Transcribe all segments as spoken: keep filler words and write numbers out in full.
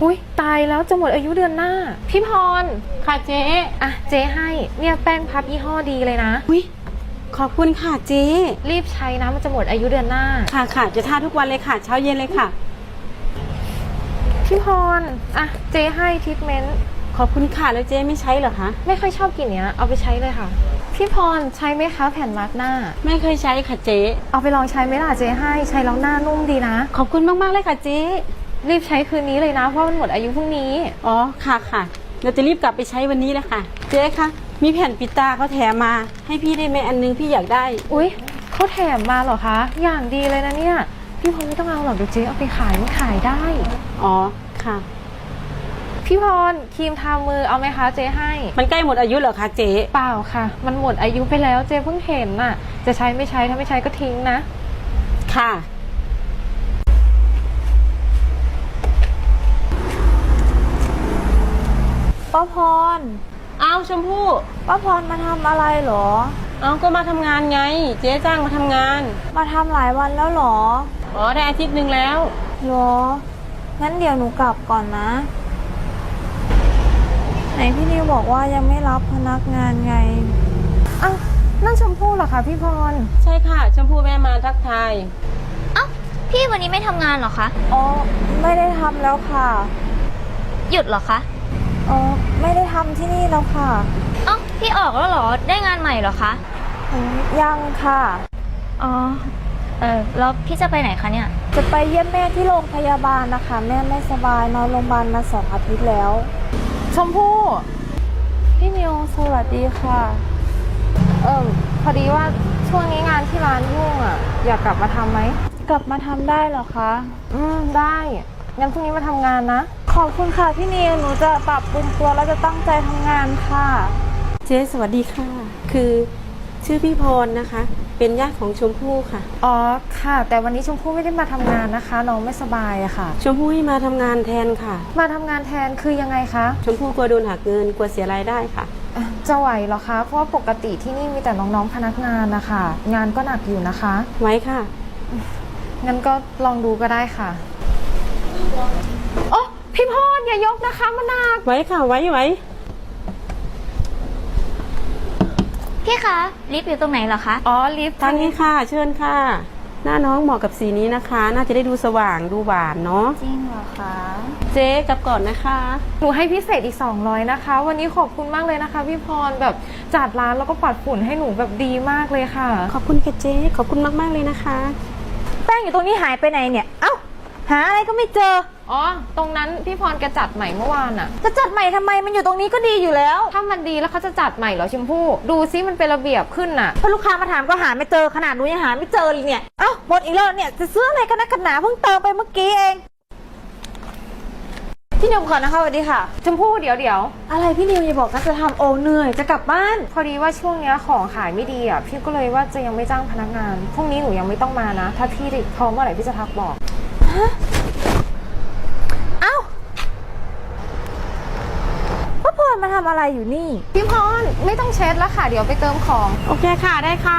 อุ้ยตายแล้วจะหมดอายุเดือนหน้าพี่พรค่ะเจ๊อ่ะเจ๊ให้เนี่ยแป้งพับยี่ห้อดีเลยนะอุ้ยขอบคุณค่ะเจ๊รีบใช้นะมันจะหมดอายุเดือนหน้าค่ะค่ะจะทาทุกวันเลยค่ะเช้าเย็นเลยค่ะพี่พรอ่ะเจ๊ให้ทรีทเมนต์ขอบคุณค่ะแล้วเจ๊ไม่ใช้เหรอคะไม่ค่อยชอบกลิ่นเนี้ยเอาไปใช้เลยค่ะพี่พรใช้ไหมคะแผ่นมาร์กหน้าไม่เคยใช้ค่ะเจ๊เอาไปลองใช้ไหมล่ะเจ๊ให้ใช้แล้วหน้านุ่มดีนะขอบคุณมากๆเลยค่ะเจ๊รีบใช้คืนนี้เลยนะเพราะมันหมดอายุพรุ่งนี้อ๋อค่ะค่ะเราจะรีบกลับไปใช้วันนี้เลยค่ะเจ๊คะมีแผ่นปิดตาเขาแถมมาให้พี่ได้ไหมอันนึงพี่อยากได้อุ๊ยเขาแถมมาเหรอคะอย่างดีเลยนะเนี่ยพี่พรไม่ต้องเอาหรอกเดี๋ยวเจ๊เอาไปขายไม่ขายได้อ๋อค่ะพี่พรครีมทามือเอาไหมคะเจ๊ให้มันใกล้หมดอายุเหรอคะเจ๊เปล่าค่ะมันหมดอายุไปแล้วเจ๊เพิ่งเห็นน่ะจะใช้ไม่ใช้ถ้าไม่ใช้ก็ทิ้งนะค่ะป้าพรเอาชมพู่ป้าพรมาทำอะไรเหรอเอาก็มาทำงานไงเจ๊จ้างมาทำงานมาทำหลายวันแล้วเหรออ๋อได้อาทิตย์หนึ่งแล้วเหรองั้นเดี๋ยวหนูกลับก่อนนะไหนพี่นิวบอกว่ายังไม่รับพนักงานไงอ้าวนั่นชมพู่เหรอคะพี่พรใช่ค่ะชมพู่แม่มาทักทายเอ้าพี่วันนี้ไม่ทำงานเหรอคะอ๋อไม่ได้ทำแล้วค่ะหยุดเหรอคะอ๋อไม่ได้ทำที่นี่แล้วค่ะเอ้าพี่ออกแล้วเหรอได้งานใหม่เหรอคะยังค่ะอ๋อเออแล้วพี่จะไปไหนคะเนี่ยจะไปเยี่ยมแม่ที่โรงพยาบาลนะคะแม่ไม่สบายนอนโรงพยาบาลมาสองอาทิตย์แล้วชมพู่พี่นิวสวัสดีค่ะเออพอดีว่าช่วงนี้งานที่ร้านยุ่งอ่ะอยากกลับมาทำไหมกลับมาทำได้เหรอคะอืมได้งั้นพรุ่งนี้มาทำงานนะขอบคุณค่ะพี่นิวหนูจะปรับปรุงตัวแล้วจะตั้งใจทำงานค่ะเจ๊สวัสดีค่ะคือชื่อพี่พรนะคะเป็นญาติของชมพู่ค่ะอ๋อค่ะแต่วันนี้ชมพู่ไม่ได้มาทำงานนะคะน้องไม่สบายอะค่ะชมพู่ให้มาทำงานแทนค่ะมาทำงานแทนคือยังไงคะชมพู่กลัวโดนหักเงินกลัวเสียรายได้ค่ะจะไหวเหรอคะเพราะว่าปกติที่นี่มีแต่น้องๆพนักงานนะคะงานก็หนักอยู่นะคะไว้ค่ะงั้นก็ลองดูก็ได้ค่ะโอ้พี่พรอย่ายกนะคะมันหนักไว้ค่ะไว้ไว้พี่คะลิฟต์อยู่ตรงไหนเหรอคะอ๋อลิฟต์ทางนี้ค่ะเชิญค่ะหน้าน้องเหมาะกับสีนี้นะคะน่าจะได้ดูสว่างดูหวานเนาะจริงเหรอคะเจ๊กลับก่อนนะคะหนูให้พิเศษอีกสองร้อยนะคะวันนี้ขอบคุณมากเลยนะคะพี่พรแบบจัดร้านแล้วก็ปัดฝุ่นให้หนูแบบดีมากเลยค่ะขอบคุณค่ะเจ๊ขอบคุณมากๆเลยนะคะแป้งอยู่ตรงนี้หายไปไหนเนี่ยเอ้าหาอะไรก็ไม่เจออ๋อตรงนั้นพี่พรแกจัดใหม่เมื่อวานอะจะจัดใหม่ทำไมมันอยู่ตรงนี้ก็ดีอยู่แล้วถ้ามันดีแล้วเขาจะจัดใหม่เหรอชมพู่ดูซิมันเป็นระเบียบขึ้นน่ะพอลูกค้ามาถามก็หาไม่เจอขนาดหนูยังหาไม่เจอเลยเนี่ยเอ้าหมดอีกแล้วเนี่ยจะซื้ออะไรกันนะกันหนาเพิ่งเติมไปเมื่อกี้เองพี่นิวก่อนนะคะสวัสดีค่ะชมพู่เดี๋ยวเดี๋ยวอะไรพี่นิวอย่าบอกนะจะทำโอเหนื่อยจะกลับบ้านพอดีว่าช่วงนี้ของขายไม่ดีอ่ะพี่ก็เลยว่าจะยังไม่จ้างพนักงานพรุ่งนี้หนูยังไม่ต้องมานะถ้าพี่พร้อมเมื่อไหร่พี่จะทักบอกเอ้าพ่อพรมาทำอะไรอยู่นี่พี่พรไม่ต้องเช็ดแล้วค่ะเดี๋ยวไปเติมของโอเคค่ะได้ค่ะ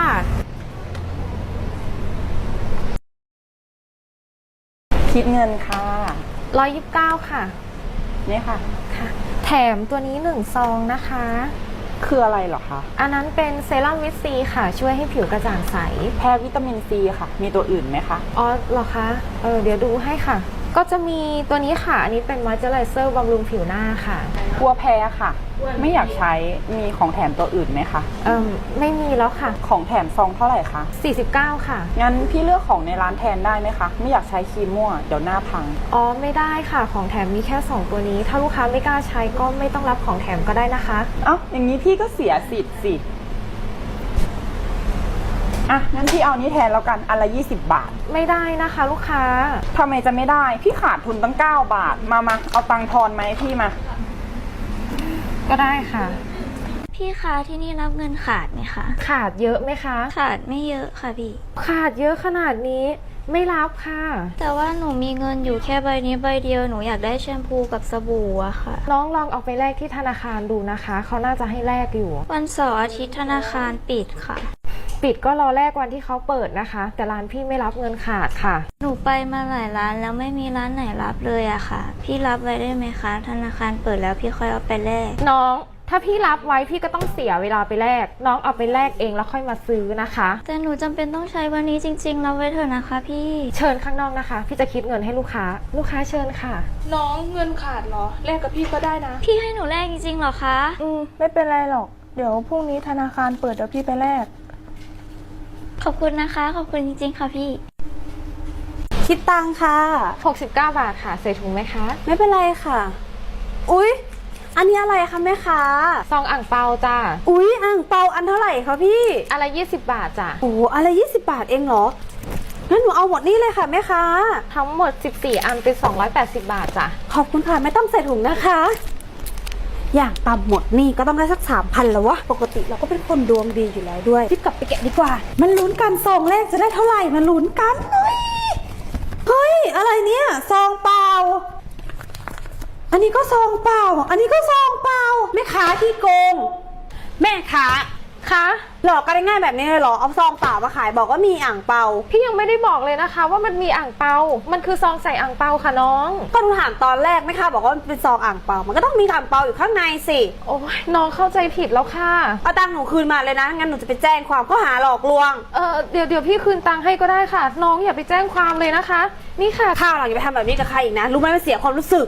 คิดเงินค่ะร้อยยี่สิบเก้าค่ะนี่ค่ะค่ะแถมตัวนี้หนึ่งซองนะคะคืออะไรเหรอคะอันนั้นเป็นเซรั่มวิตซีค่ะช่วยให้ผิวกระจ่างใสแพ้วิตามินซีค่ะมีตัวอื่นไหมคะอ๋อเหรอคะเออเดี๋ยวดูให้ค่ะก็จะมีตัวนี้ค่ะอันนี้เป็นมอยเจอไรเซอร์บำรุงผิวหน้าค่ะกลัวแพ้ค่ะไม่อยากใช้มีของแถมตัวอื่นไหมคะเออไม่มีแล้วค่ะของแถมซองเท่าไหร่คะสี่สิบเก้าค่ะงั้นพี่เลือกของในร้านแทนได้ไหมคะไม่อยากใช้ครีมมั่วเดี๋ยวหน้าพังอ๋อไม่ได้ค่ะของแถมมีแค่สองตัวนี้ถ้าลูกค้าไม่กล้าใช้ก็ไม่ต้องรับของแถมก็ได้นะคะเอ้าอย่างนี้พี่ก็เสียสิทธิ์สิอ่ะงั้นพี่เอานี้แทนแล้วกันอันละยี่สิบบาทไม่ได้นะคะลูกค้าทำไมจะไม่ได้พี่ขาดทุนตั้งเก้าบาทมามาเอาตังค์ทอนไหมพี่มาก็ได้ค่ะพี่คะที่นี่รับเงินขาดไหมคะขาดเยอะไหมคะขาดไม่เยอะค่ะพี่ขาดเยอะขนาดนี้ไม่รับค่ะแต่ว่าหนูมีเงินอยู่แค่ใบนี้ใบเดียวหนูอยากได้แชมพูกับสบู่อะค่ะน้องลองเอาไปแลกที่ธนาคารดูนะคะเขาน่าจะให้แลกอยู่วันเสาร์อาทิตย์ธนาคารปิดค่ะปิดก็รอแรกวันที่เขาเปิดนะคะ แต่ร้านพี่ไม่รับเงินขาดค่ะหนูไปมาหลายร้านแล้วไม่มีร้านไหนรับเลยอะค่ะ พี่รับไว้ได้ไหมคะ ธนาคารเปิดแล้วพี่ค่อยเอาไปแลกน้องถ้าพี่รับไว้พี่ก็ต้องเสียเวลาไปแลกน้องเอาไปแลกเองแล้วค่อยมาซื้อนะคะแต่หนูจำเป็นต้องใช้วันนี้จริงๆรับไว้เถอะนะคะพี่เชิญข้างนอกนะคะ พี่จะคิดเงินให้ลูกค้า ลูกค้าเชิญค่ะน้องเงินขาดเหรอแลกกับพี่ก็ได้นะพี่ให้หนูแลกจริงๆเหรอคะอืมไม่เป็นไรหรอก เดี๋ยวพรุ่งนี้ธนาคารเปิดเดี๋ยวพี่ไปแลกขอบคุณนะคะ ขอบคุณจริงๆค่ะพี่คิดตังค่ะหกสิบเก้าบาทค่ะใส่ถุงไหมคะไม่เป็นไรค่ะ อุ๊ย อันนี้อะไรคะแม่ค้าซองอ่างเปาจ้าอุ๊ยอ่างเปาอันเท่าไหร่คะพี่อะไรยี่สิบบาทจ้ะโอ้อะไรยี่สิบบาทเองเหรอ งั้นหนูเอาหมดนี่เลยค่ะแม่ค้าทั้งหมดสิบสี่อันเป็นสองร้อยแปดสิบบาทจ้ะขอบคุณค่ะไม่ต้องใส่ถุงนะคะ อย่างต่ำหมดนี่ก็ต้องได้สักสามพันแล้ววะ ปกติเราก็เป็นคนดวงดีอยู่แล้วด้วยรีบกลับไปแกะดีกว่า มันลุ้นกันซองแรกจะได้เท่าไหร่ มันลุ้นกันเฮ้ยเฮ้ย อะไรเนี่ยซองเปล่า อันนี้ก็ซองเปล่า อันนี้ก็ซองเปล่าแม่ค้าที่โกง แม่ค้าคะหลอกกันได้ง่ายแบบนี้เลยเหรอ เอาซองเปล่ามาขายบอกว่ามีอ่างเปาพี่ยังไม่ได้บอกเลยนะคะ ว่ามันมีอ่างเปา มันคือซองใส่อ่างเปาค่ะน้องก็หนูถามตอนแรกแม่ค้าบอกว่ามันเป็นซองอ่างเปา มันก็ต้องมีอ่างเปาอยู่ข้างในสิโอ้ยน้องเข้าใจผิดแล้วค่ะเอาตังค์หนูคืนมาเลยนะ งั้นหนูจะไปแจ้งความข้อหาหลอกลวงเออเดี๋ยวเดี๋ยวพี่คืนตังค์ให้ก็ได้ค่ะ น้องอย่าไปแจ้งความเลยนะคะ นี่ค่ะข้าวหลังอย่าไปทำแบบนี้กับใครอีกนะ รู้ไหมมันเสียความรู้สึก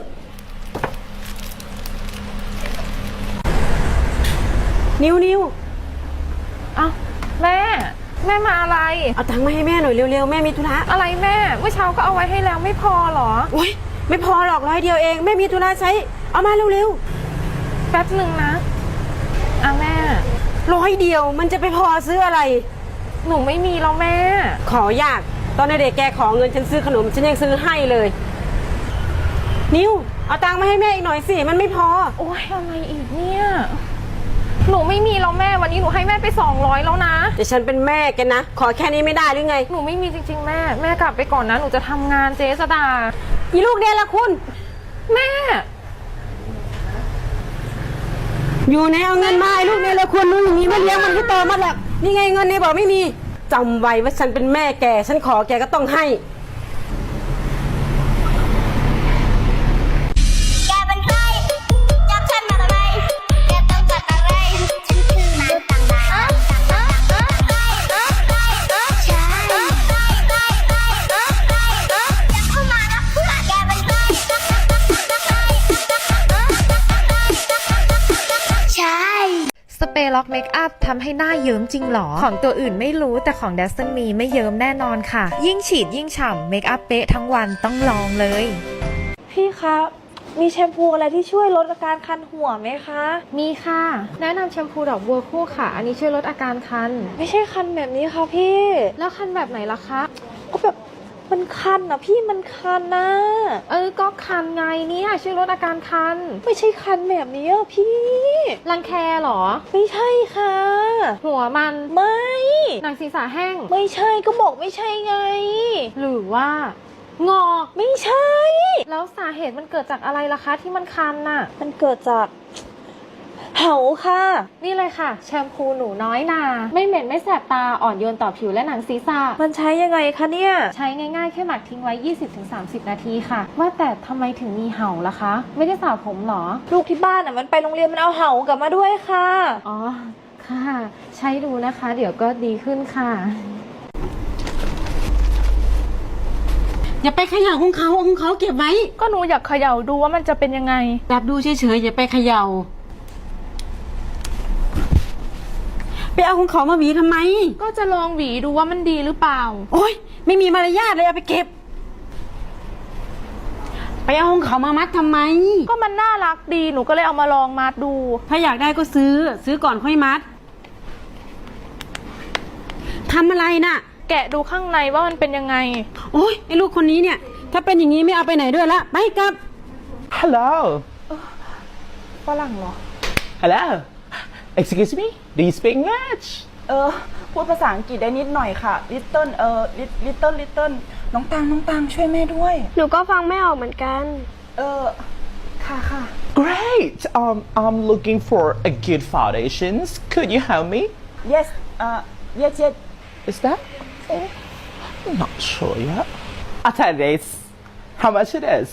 นิวนิวเอ้าแม่ แม่มาอะไรเอาตังค์มาให้แม่หน่อยเร็วๆ แม่มีธุระอะไรแม่ เมื่อเช้าก็เอาไว้ให้แล้วไม่พอเหรอโอ๊ยไม่พอหรอกร้อยเดียวเอง แม่มีธุระใช้ เอามาเร็วแป๊บหนึ่งนะอ่ะแม่ๆร้อยเดียวมันจะไปพอซื้ออะไรหนูไม่มีแล้วแม่ขอยาก ตอนเด็กๆแกขอเงินฉันซื้อขนมฉันยังซื้อให้เลย นิวเอาตังค์มาให้แม่อีกหน่อยสิ มันไม่พอโอ้ยอะไรอีกเนี่ย หนูไม่มีแล้วแม่ วันนี้หนูให้แม่ไปสองร้อยแล้วนะแต่ฉันเป็นแม่แกนะ ขอแค่นี้ไม่ได้หรือไงหนูไม่มีจริงๆแม่ แม่กลับไปก่อนนะ หนูจะทำงานเจ๊สดาอีลูกเนี่ยละคุณแม่อยู่ไหนเอาเงินมาไอ้ลูกเนี่ยละคุณรู้อย่างนี้ไม่เลี้ยงมันให้โตมาหรอกนี่ไงเงินเนี่ยบอกไม่มีจำไว้ว่าฉันเป็นแม่แก ฉันขอแกก็ต้องให้แกเป็นใครจับฉันมาทำไมแกต้องจัดอะไร ฉันคือมนุษย์ต่างดาวต่างดาวต่างดาวใช่อย่าเข้ามานะเพื่อนแกเป็นใครใช่สเปรย์ล็อกเมคอัพทำให้หน้าเยิ้มจริงหรอ ของตัวอื่นไม่รู้แต่ของ ดัส มี ไม่เยิ้มแน่นอนค่ะ ยิ่งฉีดยิ่งฉ่ำเมคอัพเป๊ะทั้งวันต้องลองเลยพี่คะ มีแชมพูอะไรที่ช่วยลดอาการคันหัวไหมคะมีค่ะ แนะนำแชมพูดอกบัวคู่ค่ะ อันนี้ช่วยลดอาการคันไม่ใช่คันแบบนี้ค่ะพี่แล้วคันแบบไหนล่ะคะก็แบบมันคันอ่ะพี่มันคันนะเออก็คันไงเนี่ยช่วยลดอาการคันไม่ใช่คันแบบนี้อะพี่รังแคเหรอไม่ใช่ค่ะหัวมันไม่หนังศีรษะแห้งไม่ใช่ก็บอกไม่ใช่ไงหรือว่า งอกไม่ใช่แล้วสาเหตุมันเกิดจากอะไรล่ะคะที่มันคันน่ะมันเกิดจากเหาค่ะนี่เลยค่ะ แชมพูหนูน้อยนา ไม่เหม็นไม่แสบตาอ่อนโยนต่อผิวและหนังศีรษะมันใช้ยังไงคะเนี่ยใช้ง่ายๆแค่หมักทิ้งไว้ ยี่สิบถึงสามสิบ นาทีค่ะ ว่าแต่ทำไมถึงมีเห่าล่ะคะ ไม่ได้สระผมเหรอลูกที่บ้านอ่ะมันไปโรงเรียนมันเอาเหากลับมาด้วยค่ะอ๋อ ค่ะ ใช้ดูนะคะ เดี๋ยวก็ดีขึ้นค่ะอย่าไปเขย่าของเขาเอาของเขาเก็บไว้ก็หนูอยากเขย่าดูว่ามันจะเป็นยังไงจับดูเฉยๆอย่าไปเขย่า ไปเอาของเขามาหวีทำไมก็จะลองหวีดูว่ามันดีหรือเปล่าโอ๊ยไม่มีมารยาทเลยเอาไปเก็บ ไปเอาของเขามามัดทำไมก็มันน่ารักดีหนูก็เลยเอามาลองมัดดูถ้าอยากได้ก็ซื้อ ซื้อก่อนค่อยมัดทำอะไรน่ะแกะดูข้างในว่ามันเป็นยังไงโอ๊ยไอ้ลูกคนนี้เนี่ย ถ้าเป็นอย่างนี้ไม่เอาไปไหนด้วยละไปกลับ Hello ฝรั่งเหรอ Hello Excuse me Do you speak English เออ พูดภาษาอังกฤษได้นิดหน่อยค่ะ Little เออ Little Little น้องตังน้องตังช่วยแม่ด้วยหนูก็ฟังไม่ออกเหมือนกันเออ ค่ะค่ะ Great um I'm looking for a good foundations Could you help me Yes uh yes yes Is that? Oh, I'm not sure yet. I'll tell you this. How much it is?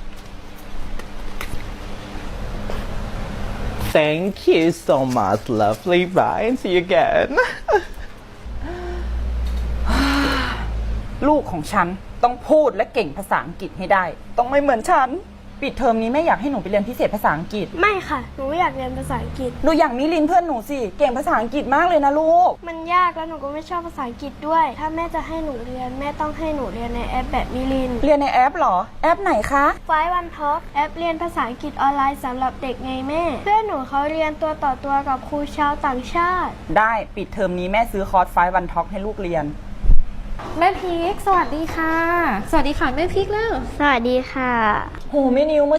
Thank you so much, lovely. Bye, and see you again. ลูกของฉันต้องพูดและเก่งภาษาอังกฤษให้ได้ ต้องไม่เหมือนฉัน ปิดเทอมนี้แม่อยากให้หนูไปเรียนพิเศษภาษาอังกฤษไม่ค่ะ หนูไม่อยากเรียนภาษาอังกฤษหนูอย่างมิลินเพื่อนหนูสิ เก่งภาษาอังกฤษมากเลยนะลูกมันยากแล้วหนูก็ไม่ชอบภาษาอังกฤษด้วย ถ้าแม่จะให้หนูเรียนแม่ต้องให้หนูเรียนในแอปแบบมิลินเรียนในแอปเหรอ แอปไหนคะไฟวันท็อกแอปเรียนภาษาอังกฤษออนไลน์สำหรับเด็กไงแม่ เพื่อนหนูเขาเรียนตัวต่อตัวกับครูชาวต่างชาติได้ปิดเทอมนี้แม่ซื้อคอร์สไฟวันท็อกให้ลูกเรียนแม่พีคสวัสดีค่ะ สวัสดีค่ะแม่พีคแล้วสวัสดีค่ะโหแม่นิว